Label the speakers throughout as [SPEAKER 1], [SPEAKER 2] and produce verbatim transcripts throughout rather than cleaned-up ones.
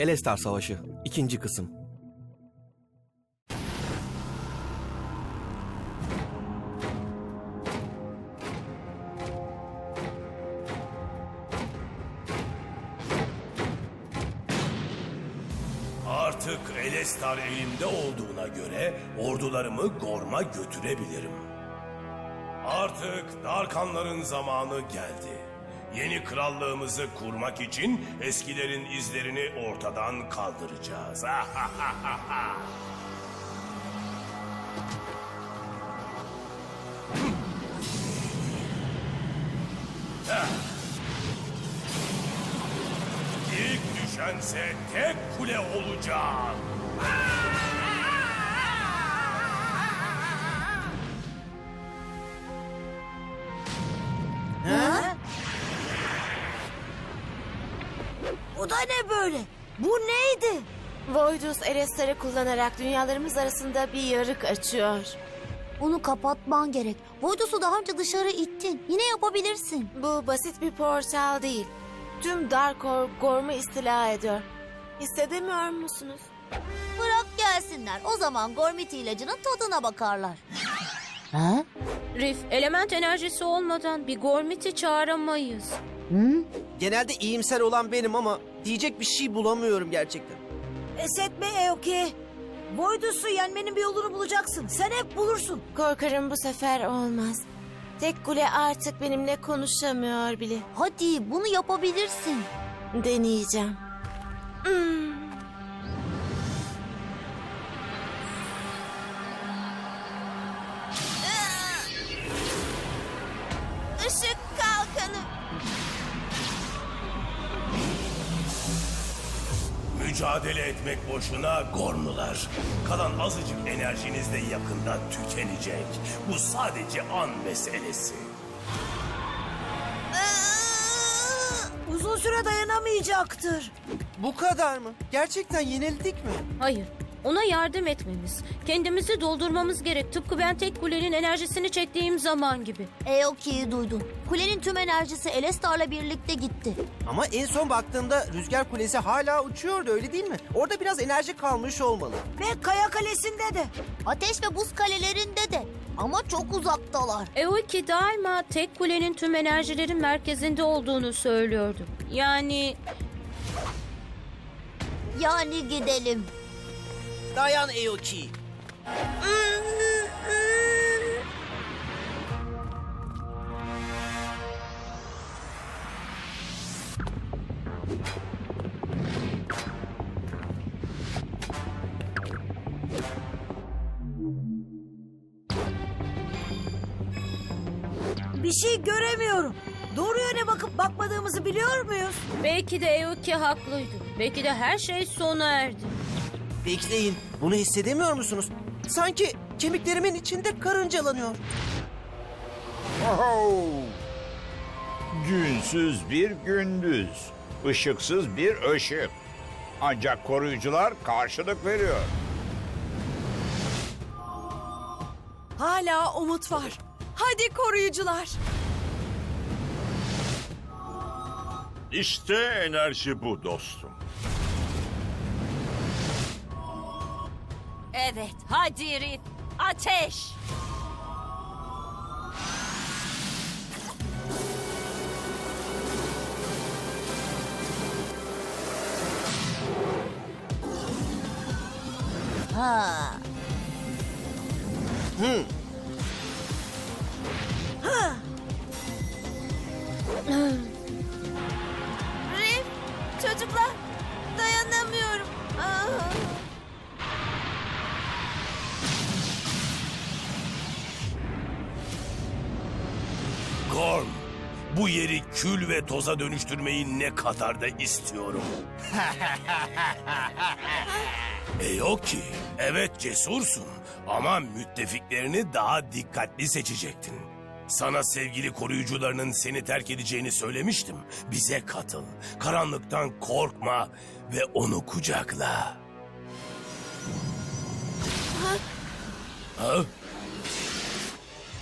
[SPEAKER 1] Elestar Savaşı ikinci kısım.
[SPEAKER 2] Artık Elestar elimde olduğuna göre ordularımı Gorm'a götürebilirim. Artık Darkanların zamanı geldi. Yeni krallığımızı kurmak için eskilerin izlerini ortadan kaldıracağız. İlk düşense tek kule olacak.
[SPEAKER 3] Ha? Bu da ne böyle? Bu neydi?
[SPEAKER 4] Voidus Elestar'ı kullanarak dünyalarımız arasında bir yarık açıyor.
[SPEAKER 3] Bunu kapatman gerek. Voidus'u daha önce dışarı ittin. Yine yapabilirsin.
[SPEAKER 4] Bu basit bir portal değil. Tüm Darkor Gorm'u istila ediyor. Hissedemiyor musunuz?
[SPEAKER 3] Bırak gelsinler. O zaman Gormit ilacının tadına bakarlar. Ha?
[SPEAKER 5] Rif, element enerjisi olmadan bir Gormit'i çağıramayız.
[SPEAKER 3] Hı?
[SPEAKER 1] Genelde iyimser olan benim ama diyecek bir şey bulamıyorum gerçekten.
[SPEAKER 6] Pes etme Eoki. Voidus'u yenmenin bir yolunu bulacaksın. Sen hep bulursun.
[SPEAKER 4] Korkarım bu sefer olmaz. Tek kule artık benimle konuşamıyor bile.
[SPEAKER 3] Hadi bunu yapabilirsin.
[SPEAKER 4] Deneyeceğim. Hmm. Işık kalkanı.
[SPEAKER 2] Mücadele etmek boşuna Gormlular. Kalan azıcık enerjiniz de yakında tükenecek. Bu sadece an meselesi.
[SPEAKER 6] Uzun süre dayanamayacaktır.
[SPEAKER 1] Bu kadar mı? Gerçekten yenildik mi?
[SPEAKER 5] Hayır, ona yardım etmemiz, kendimizi doldurmamız gerek. Tıpkı ben tek kulenin enerjisini çektiğim zaman gibi.
[SPEAKER 3] Eoki'yi duydun. Kulenin tüm enerjisi Elestar'la birlikte gitti.
[SPEAKER 1] Ama en son baktığımda Rüzgar Kulesi hala uçuyordu, öyle değil mi? Orada biraz enerji kalmış olmalı.
[SPEAKER 6] Ve Kaya Kalesi'nde de.
[SPEAKER 3] Ateş ve buz kalelerinde de. Ama çok uzaktalar.
[SPEAKER 5] Eoki daima tek kulenin tüm enerjilerin merkezinde olduğunu söylüyordu. Yani
[SPEAKER 3] Yani gidelim.
[SPEAKER 1] Dayan Eoki.
[SPEAKER 6] Bir şey göremiyorum. Doğru yöne bakıp bakmadığımızı biliyor muyuz?
[SPEAKER 5] belki de Eoki haklıydı. Belki de her şey sona erdi.
[SPEAKER 1] Bekleyin, bunu hissedemiyor musunuz? Sanki kemiklerimin içinde karıncalanıyor.
[SPEAKER 7] Oho! Günsüz bir gündüz, ışıksız bir ışık. Ancak koruyucular karşılık veriyor.
[SPEAKER 8] Hala umut var. Hadi koruyucular.
[SPEAKER 9] İşte enerji bu dostum.
[SPEAKER 5] Evet, hadi Rif, ateş!
[SPEAKER 3] Ha.
[SPEAKER 1] Hı.
[SPEAKER 4] Rif, çocuklar, dayanamıyorum. Aa.
[SPEAKER 2] Gorm, bu yeri kül ve toza dönüştürmeyi ne kadar da istiyorum. Eoki, evet cesursun ama müttefiklerini daha dikkatli seçecektin. Sana sevgili koruyucularının seni terk edeceğini söylemiştim. Bize katıl, karanlıktan korkma ve onu kucakla. Ha? Ha?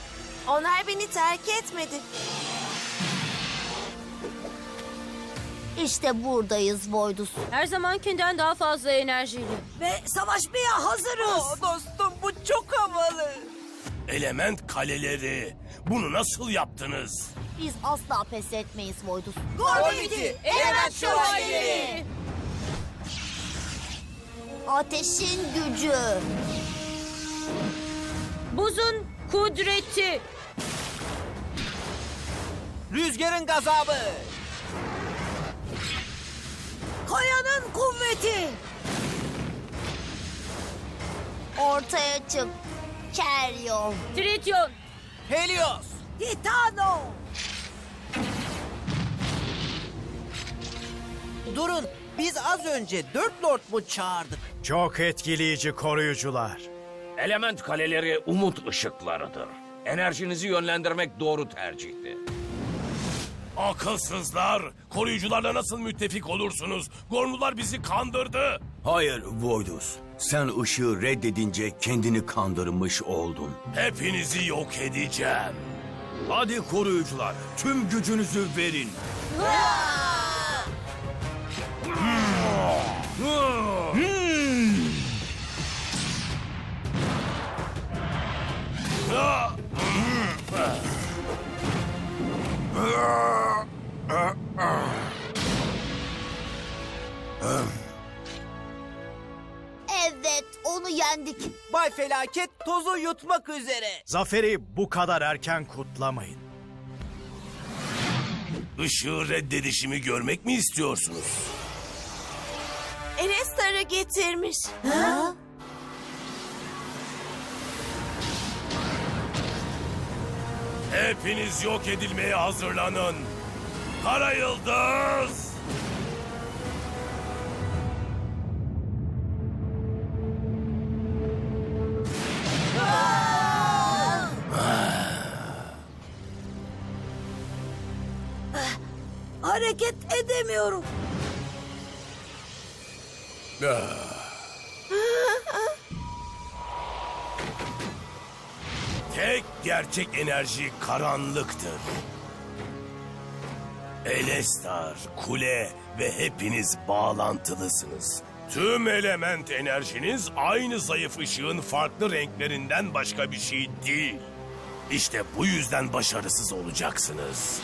[SPEAKER 4] Onlar beni terk etmedi.
[SPEAKER 3] İşte buradayız Voidus.
[SPEAKER 5] Her zamankinden daha fazla enerjili.
[SPEAKER 6] Ve savaşmaya hazırız.
[SPEAKER 1] Dostum bu çok havalı.
[SPEAKER 2] Element kaleleri. Bunu nasıl yaptınız?
[SPEAKER 3] Biz asla pes etmeyiz Voidus.
[SPEAKER 6] Gormiti,
[SPEAKER 3] Element Şövalyeleri! Ateşin gücü.
[SPEAKER 5] Buzun kudreti.
[SPEAKER 1] Rüzgarın gazabı.
[SPEAKER 6] Kayanın kuvveti.
[SPEAKER 3] Ortaya çık. Keryon.
[SPEAKER 5] Trityon.
[SPEAKER 1] Helios.
[SPEAKER 6] Titano.
[SPEAKER 1] Durun. Biz az önce dört lord mu çağırdık?
[SPEAKER 10] Çok etkileyici koruyucular.
[SPEAKER 11] Element kaleleri umut ışıklarıdır. Enerjinizi yönlendirmek doğru tercihti.
[SPEAKER 2] Akılsızlar. Koruyucularla nasıl müttefik olursunuz? Gormlular bizi kandırdı.
[SPEAKER 12] Hayır Voidus. Sen ışığı reddedince kendini kandırmış oldun.
[SPEAKER 2] Hepinizi yok edeceğim.
[SPEAKER 12] Hadi koruyucular, tüm gücünüzü verin.
[SPEAKER 3] Evet, onu yendik.
[SPEAKER 1] Bay Felaket tozu yutmak üzere.
[SPEAKER 10] Zaferi bu kadar erken kutlamayın.
[SPEAKER 2] Işığı reddedişimi görmek mi istiyorsunuz?
[SPEAKER 4] Enestar'ı getirmiş.
[SPEAKER 2] Hepiniz yok edilmeye hazırlanın. Kara Yıldız!
[SPEAKER 6] Hareket edemiyorum.
[SPEAKER 2] Tek gerçek enerji karanlıktır. Elestar, kule ve hepiniz bağlantılısınız. Tüm element enerjiniz aynı zayıf ışığın farklı renklerinden başka bir şey değil. İşte bu yüzden başarısız olacaksınız.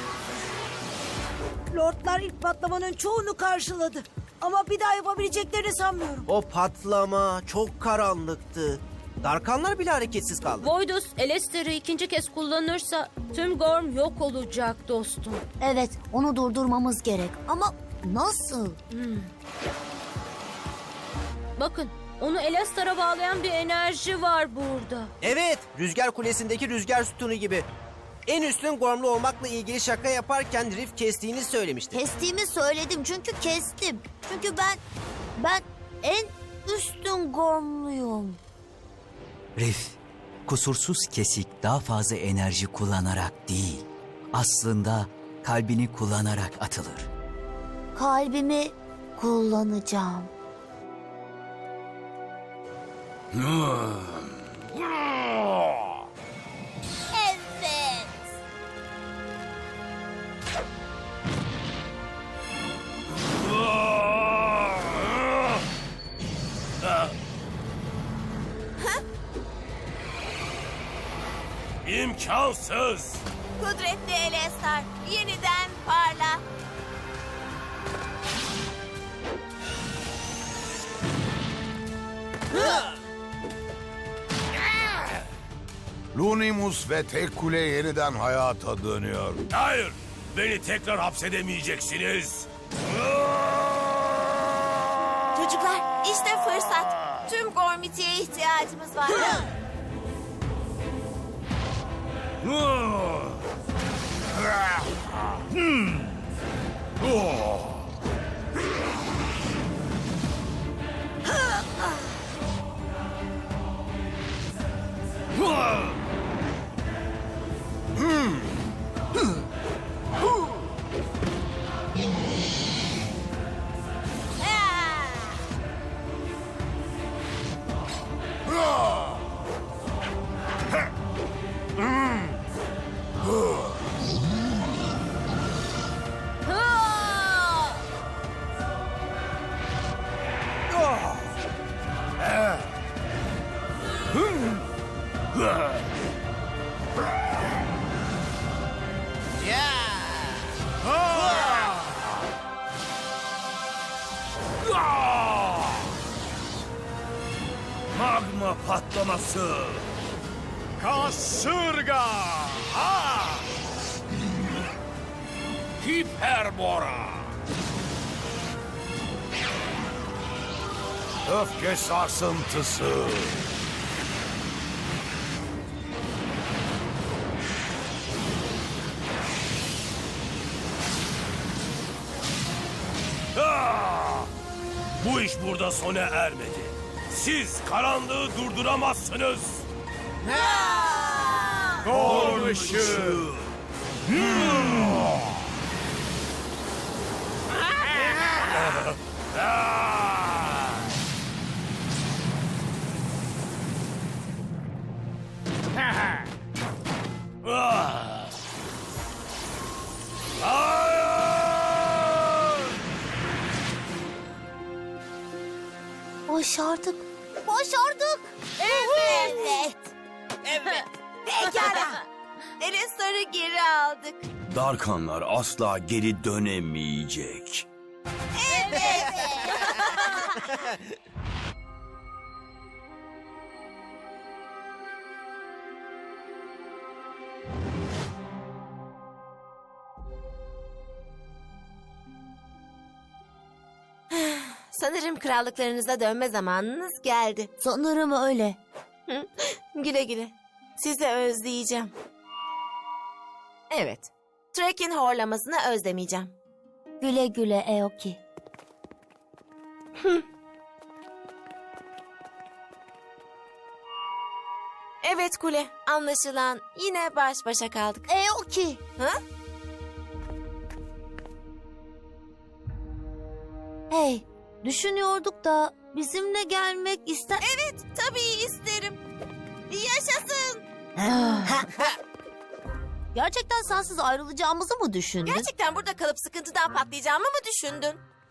[SPEAKER 6] Lordlar ilk patlamanın çoğunu karşıladı. Ama bir daha yapabileceklerini sanmıyorum.
[SPEAKER 1] O patlama çok karanlıktı. Darkanlar bile hareketsiz kaldı.
[SPEAKER 5] Voidus Elester'ı ikinci kez kullanırsa tüm Gorm yok olacak dostum.
[SPEAKER 3] Evet, onu durdurmamız gerek. Ama nasıl?
[SPEAKER 5] Bakın, onu Elestar'a bağlayan bir enerji var burada.
[SPEAKER 1] Evet, rüzgar kulesindeki rüzgar sütunu gibi. En üstün gormlu olmakla ilgili şaka yaparken Riff kestiğini söylemişti.
[SPEAKER 3] Kestiğimi söyledim çünkü kestim. Çünkü ben, ben en üstün gormluyum.
[SPEAKER 13] Riff, kusursuz kesik daha fazla enerji kullanarak değil, aslında kalbini kullanarak atılır.
[SPEAKER 3] Kalbimi kullanacağım. Evet.
[SPEAKER 2] İmkansız.
[SPEAKER 4] Kudretli Elestar, yeniden parla.
[SPEAKER 9] Lunimus ve tek kule yeniden hayata dönüyor.
[SPEAKER 2] Hayır, beni tekrar hapsedemeyeceksiniz.
[SPEAKER 4] Çocuklar, işte fırsat. Tüm Gormiti'ye ihtiyacımız var.
[SPEAKER 2] Magma patlaması.
[SPEAKER 10] Kasırga! Ha!
[SPEAKER 2] Hiperbora. Öfke sarsıntısı. Ah! Bu iş burada sona ermedi. Siz karanlığı durduramazsınız.
[SPEAKER 10] Gorm ışığı!
[SPEAKER 2] Ah! Hayır!
[SPEAKER 3] Başardık. Başardık. Evet.
[SPEAKER 4] Evet. Pekala. Elestar'ı geri aldık.
[SPEAKER 12] Darkanlar asla geri dönemeyecek.
[SPEAKER 4] Sanırım krallıklarınıza dönme zamanınız geldi.
[SPEAKER 3] Sanırım öyle.
[SPEAKER 4] Hı? Güle güle. Sizi özleyeceğim. Evet. Trek'in horlamasını özlemeyeceğim.
[SPEAKER 3] Güle güle Aoki.
[SPEAKER 4] Evet Kule. Anlaşılan yine baş başa kaldık.
[SPEAKER 3] Aoki.
[SPEAKER 4] Ha?
[SPEAKER 3] Hey, düşünüyorduk da bizimle gelmek ister...
[SPEAKER 4] Evet, tabii isterim. Yaşasın.
[SPEAKER 3] Gerçekten sensiz ayrılacağımızı mı düşündün?
[SPEAKER 4] Gerçekten burada kalıp sıkıntıdan patlayacağımı mı düşündün?